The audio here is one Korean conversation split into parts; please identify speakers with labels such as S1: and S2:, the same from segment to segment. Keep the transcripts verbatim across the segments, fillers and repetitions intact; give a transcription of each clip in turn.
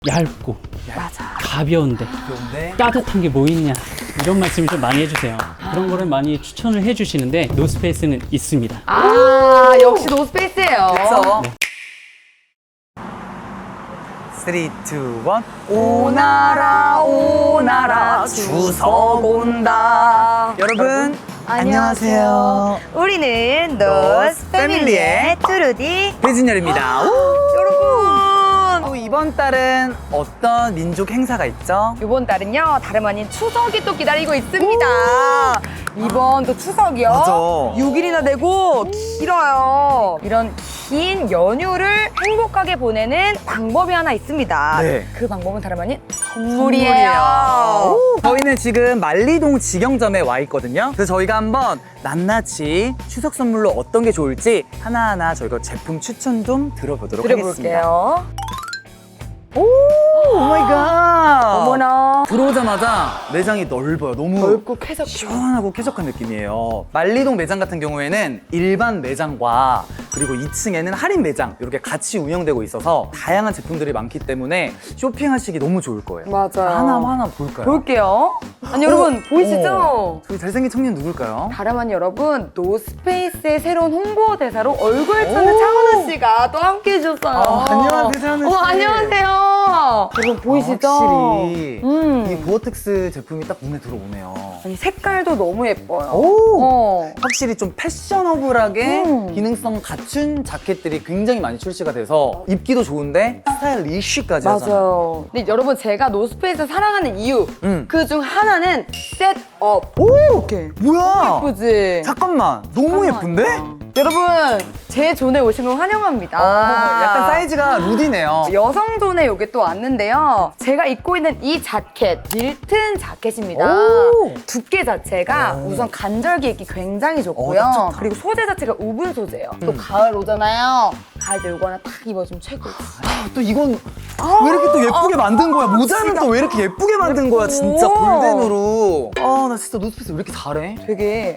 S1: 얇고
S2: 맞아.
S1: 가벼운데
S3: 그런데
S1: 따뜻한 게 뭐 있냐 이런 말씀을 좀 많이 해주세요. 그런 거를 많이 추천을 해주시는데 노스페이스는 있습니다.
S2: 아, 역시 노스페이스예요.
S3: 그래서
S1: 네.
S3: 삼, 이, 일
S2: 오나라 오나라 추석 온다.
S3: 여러분 안녕하세요.
S2: 우리는
S3: 노스
S2: 노스
S3: 패밀리의
S2: 패밀리의 트루디
S3: 배진열입니다.
S2: 여러분.
S3: 또 이번 달은 어떤 민족 행사가 있죠?
S2: 이번 달은요 다름 아닌 추석이 또 기다리고 있습니다. 이번 또 추석이요.
S3: 맞아.
S2: 육 일이나 되고 길어요. 이런 긴 연휴를 행복하게 보내는 방법이 하나 있습니다.
S3: 네.
S2: 그 방법은 다름 아닌 선물이에요.
S3: 오, 저희는 지금 말리동 직영점에 와 있거든요. 그래서 저희가 한번 낱낱이 추석 선물로 어떤 게 좋을지 하나하나 저희가 제품 추천 좀 들어보도록 하겠습니다.
S2: 들어볼게요.
S3: 오, 오마이갓.
S2: 어머나.
S3: 들어오자마자 매장이 넓어요. 너무
S2: 넓고 쾌적.
S3: 시원하고 쾌적한 느낌이에요. 말리동 매장 같은 경우에는 일반 매장과 그리고 이 층에는 할인 매장 이렇게 같이 운영되고 있어서 다양한 제품들이 많기 때문에 쇼핑하시기 너무 좋을 거예요.
S2: 맞아요.
S3: 하나하나 볼까요?
S2: 볼게요. 아니 여러분 보이시죠?
S3: 어, 저희 잘생긴 청년 누굴까요?
S2: 다름 아닌 여러분 노스페이스의 새로운 홍보 대사로 얼굴 찾는
S3: 오.
S2: 차은우 씨가 또 함께 해주셨어요.
S3: 아, 안녕하세요, 차은우 씨.
S2: 어, 안녕하세요. 여러분 보이시죠?
S3: 아, 확실히
S2: 음.
S3: 이 보어텍스 제품이 딱 눈에 들어오네요.
S2: 아니 색깔도 너무 예뻐요.
S3: 오!
S2: 어.
S3: 확실히 좀 패셔너블하게
S2: 음.
S3: 기능성 갖춘 자켓들이 굉장히 많이 출시가 돼서 입기도 좋은데 스타일리쉬까지 하잖아요.
S2: 맞아요. 근데 여러분 제가 노스페이스 사랑하는 이유
S3: 음.
S2: 그 중 하나는 셋업.
S3: 오!
S2: 이렇게.
S3: 뭐야?
S2: 예쁘지?
S3: 잠깐만, 너무 예쁜데?
S2: 여러분 제 존에 오신 걸 환영합니다.
S3: 어, 약간 사이즈가 루디네요.
S2: 여성 존에 요게 또 왔는데요. 제가 입고 있는 이 자켓 밀튼 자켓입니다.
S3: 오!
S2: 두께 자체가
S3: 오.
S2: 우선 간절기 입기 굉장히 좋고요.
S3: 어, 딱 좋다.
S2: 그리고 소재 자체가 우분 소재예요. 또
S3: 음.
S2: 가을 오잖아요. 가을 때 요거 하나 딱 입어주면 최고.
S3: 아, 또 이건 왜 이렇게 또 예쁘게 만든 거야? 모자는 또 왜 이렇게 예쁘게 만든 거야? 진짜
S2: 오.
S3: 골덴으로. 아, 나 진짜 노스페이스 왜 이렇게 잘해?
S2: 되게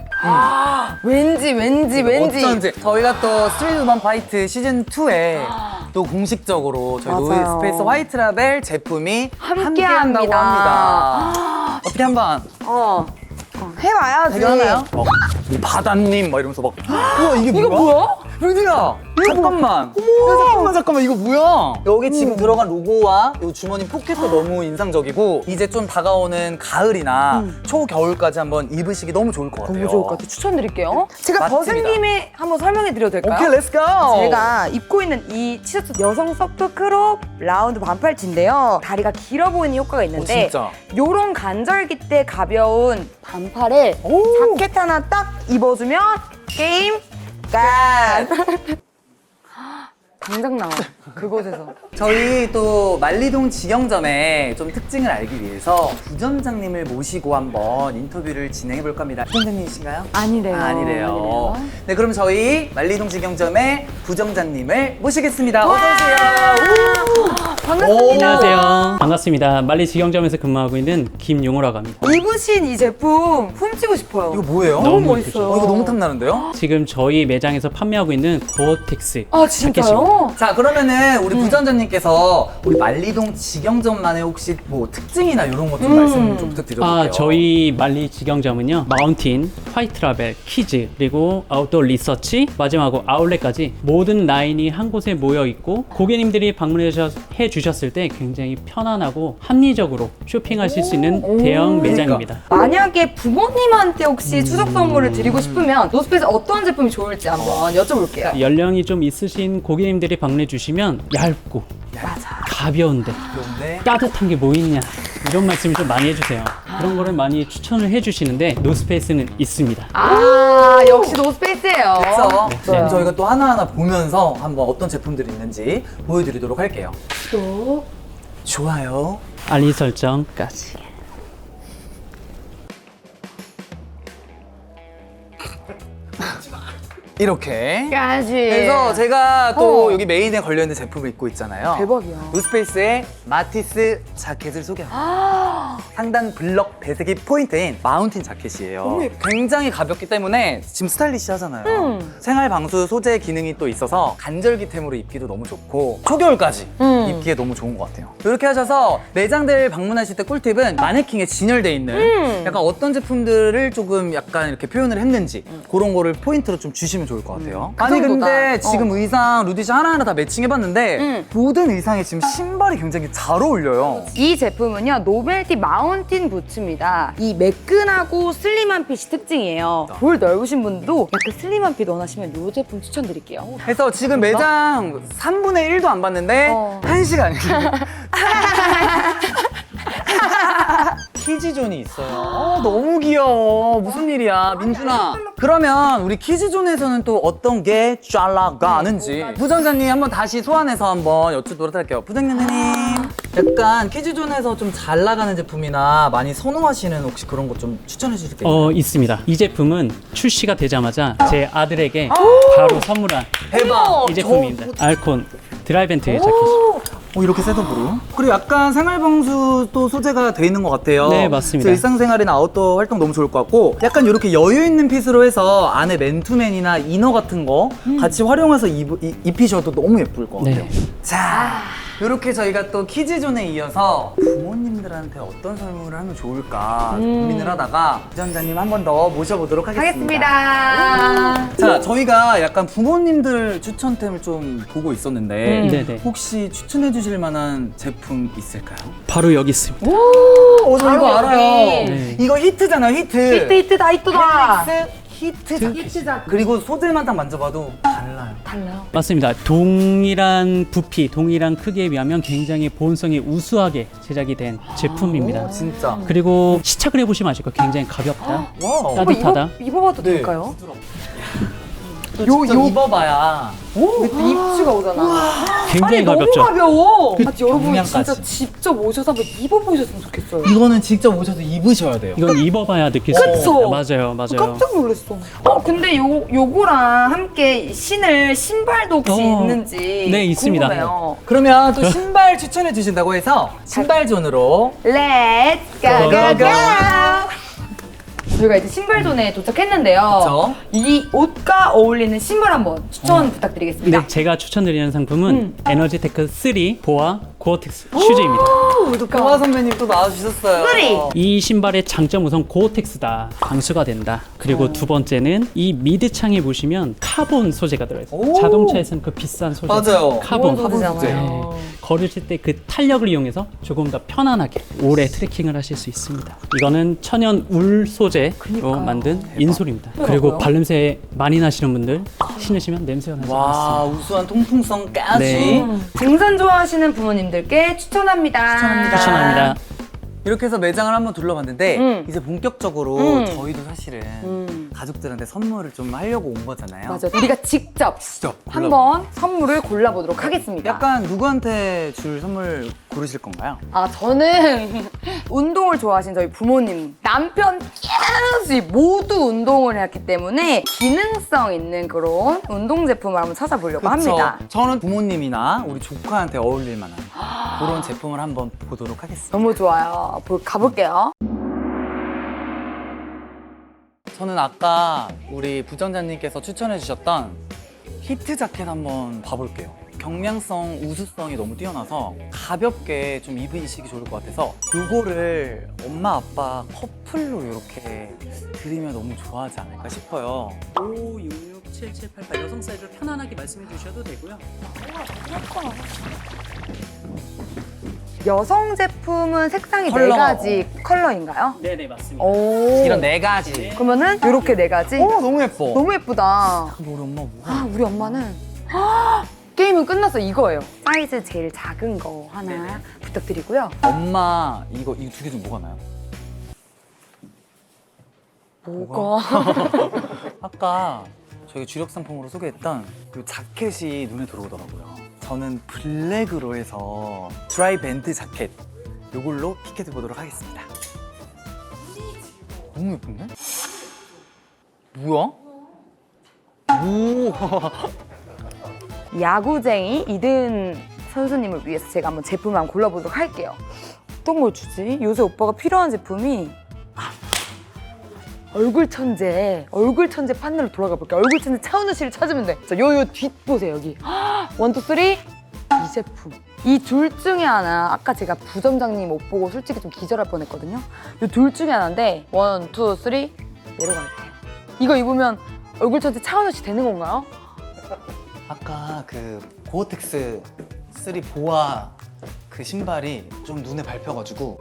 S2: 아, 왠지 왠지 왠지
S3: 어쩐지 저희가 또 스트리트 우먼 파이트 시즌 투에 또 공식적으로 저희
S2: 맞아요.
S3: 노스페이스 화이트 라벨 제품이
S2: 함께
S3: 함께한다고
S2: 합니다.
S3: 합니다. 어떻게 한번
S2: 어, 어, 해봐야지.
S3: 대결하나요? 막 이 바다님 막 이러면서 막 우와 이게
S2: 이거
S3: 뭐야?
S2: 뭐야?
S3: 루디야 잠깐만. 야, 잠깐만 잠깐만 이거 뭐야? 여기 지금 들어간 로고와 이 주머니 포켓도 너무 인상적이고 이제 좀 다가오는 가을이나 초겨울까지 한번 입으시기 너무 좋을 것 같아요.
S2: 너무 좋을 것 같아요. 추천드릴게요. 제가 벗은
S3: 맛집이다.
S2: 김에 한번 설명해 드려도 될까요?
S3: 오케이 렛츠고.
S2: 제가 입고 있는 이 티셔츠 여성 서프 크롭 라운드 반팔티인데요. 다리가 길어 보이는 효과가 있는데
S3: 어, 진짜.
S2: 요런 간절기 때 가벼운 반팔에
S3: 오.
S2: 자켓 하나 딱 입어주면 게임 끝! 당장 나와, 그곳에서.
S3: 저희 또 말리동 직영점의 좀 특징을 알기 위해서 부점장님을 모시고 한번 인터뷰를 진행해 볼 겁니다. 부점장님이신가요?
S2: 아니래요.
S3: 아, 아니래요.
S2: 아니래요.
S3: 네, 그럼 저희 말리동 직영점의 부점장님을 모시겠습니다. 어서 오세요.
S2: 반갑습니다.
S1: 안녕하세요. 반갑습니다. 말리 직영점에서 근무하고 있는 김용호라고 합니다.
S2: 입으신 이 제품 훔치고 싶어요.
S3: 이거 뭐예요?
S2: 너무
S1: 너무
S2: 멋있어요.
S3: 어, 이거 너무 탐나는데요?
S1: 지금 저희 매장에서 판매하고 있는 고어텍스
S2: 아, 진짜요?
S3: 자, 그러면은 우리 부점장님께서 우리 말리동 직영점만의 혹시 뭐 특징이나 이런 것 좀
S2: 음.
S3: 말씀 좀 부탁드려볼게요.
S1: 아, 저희 말리 직영점은요 마운틴, 화이트 라벨, 키즈, 그리고 아웃도어 리서치, 마지막으로 아울렛까지 모든 라인이 한 곳에 모여 있고 고객님들이 방문해 주셨- 해 주셨을 때 굉장히 편안하고 합리적으로 쇼핑하실 수 있는 대형 매장입니다.
S2: 만약에 부모님한테 혹시 추석 선물을 드리고 싶으면 노스페이스 어떤 제품이 좋을지 한번 여쭤볼게요.
S1: 연령이 좀 있으신 고객님들이 방문해 주시면 얇고
S2: 맞아.
S1: 가벼운데
S3: 그런데
S1: 따뜻한 게 뭐 있냐 이런 말씀을 좀 많이 해주세요. 그런 거를 많이 추천을 해주시는데 노스페이스는 있습니다.
S2: 아, 역시 노스페이스예요.
S3: 그래서
S1: 네.
S3: 지금 저희가 또 하나하나 보면서 한번 어떤 제품들이 있는지 보여드리도록 할게요.
S2: 또
S3: 좋아요.
S1: 알림 설정까지.
S3: 이렇게.
S2: 까지.
S3: 그래서 제가 또
S2: 어.
S3: 여기 메인에 걸려있는 제품을 입고 있잖아요.
S2: 대박이야.
S3: 노스페이스의 마티스 자켓을 소개합니다.
S2: 아,
S3: 상단 블럭 배색이 포인트인 마운틴 자켓이에요.
S2: 너무 예뻐.
S3: 굉장히 가볍기 때문에 지금 스타일리시하잖아요.
S2: 음.
S3: 생활 방수 소재 기능이 또 있어서 간절기템으로 입기도 너무 좋고 초겨울까지
S2: 음. 음.
S3: 입기에 너무 좋은 것 같아요. 이렇게 하셔서 매장들 방문하실 때 꿀팁은 마네킹에 진열돼 있는
S2: 음.
S3: 약간 어떤 제품들을 조금 약간 이렇게 표현을 했는지 그런 거를 포인트로 좀 주시면 좋을 것 같아요.
S2: 그
S3: 아니
S2: 정도다.
S3: 근데 지금
S2: 어.
S3: 의상 루디씨 하나하나 다 매칭해봤는데
S2: 음.
S3: 모든 의상에 지금 신발이 굉장히 잘 어울려요.
S2: 이 제품은요 노벨티 마운틴 부츠입니다. 이 매끈하고 슬림한 핏이 특징이에요. 볼 넓으신 분도 약간 슬림한 핏 원하시면 이 제품 추천드릴게요.
S3: 그래서 지금 매장 삼분의 일도 안 봤는데
S2: 어.
S3: 한 시간이 키즈존이 있어요. 어, 너무 귀여워. 무슨 일이야, 민준아. 그러면 우리 키즈존에서는 또 어떤 게 잘 나가는지 부장자님 한번 다시 소환해서 한번 여쭈도록 할게요. 부장자님, 약간 키즈존에서 좀 잘 나가는 제품이나 많이 선호하시는 혹시 그런 것 좀 추천해 주실 게 있나요?
S1: 어, 있습니다. 이 제품은 출시가 되자마자 제 아들에게 바로 선물한
S3: 대박!
S1: 이 제품입니다. 알콘 드라이벤트 자켓.
S3: 어, 이렇게 셋업으로. 그리고 약간 생활방수 또 소재가 돼 있는 것 같아요.
S1: 네, 맞습니다.
S3: 그래서 일상생활이나 아웃도어 활동 너무 좋을 것 같고, 약간 이렇게 여유 있는 핏으로 해서 안에 맨투맨이나 이너 같은 거 같이 활용해서 입, 이- 입히셔도 너무 예쁠 것 같아요.
S1: 네.
S3: 자, 이렇게 저희가 또 키즈존에 이어서 부모님들한테 어떤 선물을 하면 좋을까 고민을 하다가 부장자님 한 번 더 모셔보도록 하겠습니다.
S2: 하겠습니다.
S3: 자, 저희가 약간 부모님들 추천템을 좀 보고 있었는데
S2: 음.
S1: 네네.
S3: 혹시 추천해 주실 만한 제품 있을까요?
S1: 바로 여기 있습니다.
S3: 오, 저
S2: 바로
S3: 이거
S2: 여기.
S3: 알아요.
S1: 네.
S3: 이거 히트잖아요, 히트.
S2: 히트 히트다 히트다.
S3: 헬릭스 히트 자켓.
S2: 히트 자켓.
S3: 그리고 소재만 딱 만져봐도 달라요.
S2: 달라요.
S1: 맞습니다. 동일한 부피, 동일한 크기에 비하면 굉장히 보온성이 우수하게 제작이 된 제품입니다.
S3: 진짜.
S1: 그리고 시착을 해보시면 아실 거예요. 굉장히 가볍다.
S3: 와우.
S1: 따- 따뜻하다.
S2: 어, 입어, 입어봐도
S3: 네.
S2: 될까요?
S3: 또
S2: 요-
S3: 직접
S2: 요-
S3: 입어봐야.
S2: 오, 입추가 오잖아.
S1: 굉장히
S2: 아니,
S1: 가볍죠.
S2: 너무 가벼워. 아, 여러분
S3: 경량까지.
S2: 진짜 직접 오셔서 한번 입어보셨으면 좋겠어요.
S3: 이거는 직접 오셔서 입으셔야 돼요.
S1: 이건 입어봐야 느낄 수
S2: 그쵸?
S1: 있습니다. 맞아요, 맞아요.
S2: 깜짝 놀랐어. 어, 근데 요, 요거랑 함께 신을 신발도 혹시
S1: 어,
S2: 있는지
S1: 네, 있습니다.
S2: 궁금해요.
S3: 그러면 또 신발 추천해 주신다고 해서 신발존으로
S2: Let's go, go, go! 저희가 이제 신발존에 도착했는데요.
S3: 그쵸?
S2: 이 옷과 어울리는 신발 한번 추천 부탁드리겠습니다.
S1: 근데 제가 추천드리는 상품은
S2: 음.
S1: 에너지테크 쓰 보아 고어텍스 슈즈입니다.
S3: 경화 선배님 또 나와주셨어요.
S2: 쓰리.
S1: 이 신발의 장점 우선 고어텍스다. 방수가 된다. 그리고
S2: 어.
S1: 두 번째는 이 미드창에 보시면 카본 소재가 들어있어요.
S3: 오.
S1: 자동차에서는 그 비싼 소재.
S3: 맞아요.
S1: 카본.
S2: 카본 소재잖아요.
S1: 네. 걸으실 때 그 탄력을 이용해서 조금 더 편안하게 오래 트레킹을 하실 수 있습니다. 이거는 천연 울 소재로
S2: 그니까요.
S1: 만든 인솔입니다.
S2: 그러고요.
S1: 그리고 발냄새 많이 나시는 분들 신으시면 냄새가 나지 않습니다.
S3: 와, 우수한 통풍성까지.
S1: 네.
S2: 등산 좋아하시는 부모님들께 추천합니다.
S3: 추천합니다.
S1: 추천합니다.
S3: 이렇게 해서 매장을 한번 둘러봤는데
S2: 음.
S3: 이제 본격적으로
S2: 음.
S3: 저희도 사실은
S2: 음.
S3: 가족들한테 선물을 좀 하려고 온 거잖아요.
S2: 맞아. 우리가 직접
S3: 직접
S2: 한번 선물을 골라보도록 하겠습니다.
S3: 약간 누구한테 줄 선물 고르실 건가요?
S2: 아, 저는 운동을 좋아하신 저희 부모님, 남편 계속 모두 운동을 했기 때문에 기능성 있는 그런 운동 제품을 한번 찾아보려고 합니다.
S3: 저는 부모님이나 우리 조카한테 어울릴 만한 그런 제품을 한번 보도록 하겠습니다.
S2: 너무 좋아요. 보- 가볼게요.
S3: 저는 아까 우리 부장자님께서 추천해 주셨던 히트 자켓 한번 봐볼게요. 경량성, 우수성이 너무 뛰어나서 가볍게 좀 입으시기 좋을 것 같아서 요거를 엄마, 아빠 커플로 이렇게 드리면 너무 좋아하지 않을까 싶어요.
S1: 오, 육, 육, 칠, 칠, 팔, 팔 여성 사이즈로 편안하게 말씀해 주셔도 되고요.
S2: 여성 제품은 색상이
S3: 컬러.
S2: 네 가지 컬러인가요?
S1: 네네, 맞습니다.
S2: 오.
S3: 이런 네 가지.
S2: 그러면은 이렇게 네 가지.
S3: 오, 너무 예뻐.
S2: 너무 예쁘다.
S3: 근데 우리 엄마 뭐?
S2: 아, 우리 엄마는 게임은 끝났어. 이거예요. 사이즈 제일 작은 거 하나
S1: 네네.
S2: 부탁드리고요.
S3: 엄마 이거 이 두 개 중 뭐가 나요?
S2: 뭐가?
S3: 아까 저희가 주력 상품으로 소개했던 이 자켓이 눈에 들어오더라고요. 저는 블랙으로 해서 드라이 밴드 자켓 이걸로 피켓해 보도록 하겠습니다. 너무 예쁜데? 뭐야? 오.
S2: 야구쟁이 이든 선수님을 위해서 제가 한번 제품을 한번 골라보도록 할게요. 어떤 걸 주지? 요새 오빠가 필요한 제품이 아, 얼굴 천재, 얼굴 천재 판넬로 돌아가 볼게요. 얼굴 천재 차은우 씨를 찾으면 돼. 자, 요, 요 뒷 보세요, 여기. 원, 투, 쓰리. 이 제품. 이 둘 중에 하나, 아까 제가 부점장님 옷 보고 솔직히 좀 기절할 뻔했거든요. 이 둘 중에 하나인데 원, 투, 쓰리 내려갈게요. 이거 입으면 얼굴 전체 차은우 씨 되는 건가요?
S3: 아까 그 고어텍스 쓰리 보아 그 신발이 좀 눈에 밟혀가지고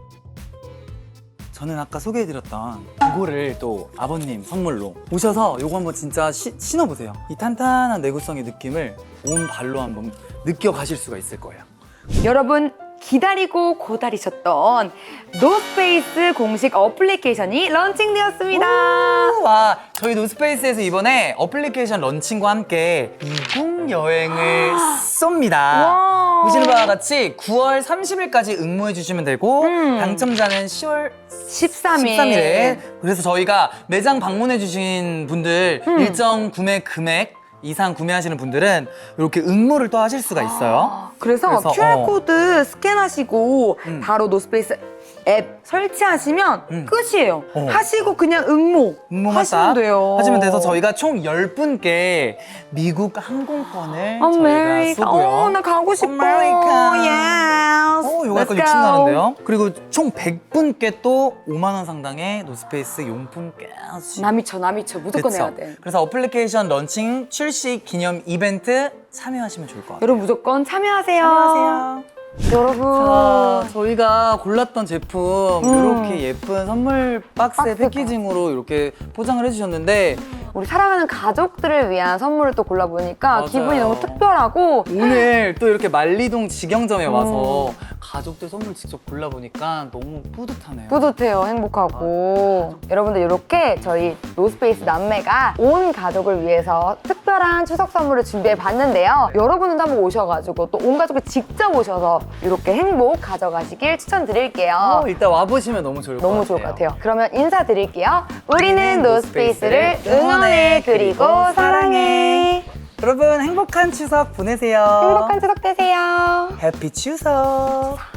S3: 저는 아까 소개해드렸던 이거를 또 아버님 선물로 오셔서 이거 한번 진짜 시- 신어보세요. 이 탄탄한 내구성의 느낌을 온 발로 한번 느껴가실 수가 있을 거예요.
S2: 여러분 기다리고 고다리셨던 노스페이스 공식 어플리케이션이 런칭되었습니다.
S3: 와, 저희 노스페이스에서 이번에 어플리케이션 런칭과 함께 미국 여행을 쏩니다.
S2: 와.
S3: 보시는 바와 같이 구월 삼십일까지 응모해 주시면 되고
S2: 음.
S3: 당첨자는 시월
S2: 십삼 일.
S3: 십삼 일에 그래서 저희가 매장 방문해 주신 분들
S2: 음.
S3: 일정 구매 금액 이상 구매하시는 분들은 이렇게 응모를 또 하실 수가 있어요.
S2: 그래서,
S3: 그래서,
S2: 큐알코드 스캔하시고
S3: 음.
S2: 바로 노스페이스 앱 설치하시면
S3: 음.
S2: 끝이에요.
S3: 어.
S2: 하시고 그냥 응모
S3: 응모만
S2: 하시면
S3: 딱
S2: 돼요.
S3: 하시면 돼서 저희가 총 열 분께 미국 항공권을
S2: 아메리카.
S3: 저희가 쏘고요.
S2: 어, 나 가고 싶어.
S3: 아메리카.
S2: 예스.
S3: 어, 이거 약간
S2: Let's
S3: 욕심
S2: go.
S3: 나는데요? 그리고 총 백 분께 또 오만 원 상당의 노스페이스 용품까지.
S2: 나 미쳐, 나 미쳐. 무조건
S3: 그쵸?
S2: 해야 돼.
S3: 그래서 어플리케이션 런칭 출시 기념 이벤트 참여하시면 좋을 것 같아요.
S2: 여러분 무조건 참여하세요.
S3: 참여하세요.
S2: 여러분.
S3: 자, 저희가 골랐던 제품
S2: 음.
S3: 이렇게 예쁜 선물 박스의
S2: 박스가.
S3: 패키징으로 이렇게 포장을 해주셨는데
S2: 우리 사랑하는 가족들을 위한 선물을 또 골라보니까
S3: 맞아요.
S2: 기분이 너무 특별하고
S3: 오늘 또 이렇게 말리동 직영점에 와서
S2: 음.
S3: 가족들 선물 직접 골라보니까 너무 뿌듯하네요.
S2: 뿌듯해요. 행복하고. 여러분들 이렇게 저희 노스페이스 남매가 온 가족을 위해서 특별한 추석 선물을 준비해 봤는데요. 여러분들도 한번 오셔가지고 또 온 가족을 직접 오셔서 이렇게 행복 가져가시길 추천드릴게요.
S3: 어, 일단 와보시면 너무 좋을 것 같아요.
S2: 너무 좋을 것 같아요. 그러면 인사드릴게요. 우리는 노스페이스를 응원해 그리고 사랑해.
S3: 여러분 행복한 추석 보내세요.
S2: 행복한 추석 되세요.
S3: 해피 추석.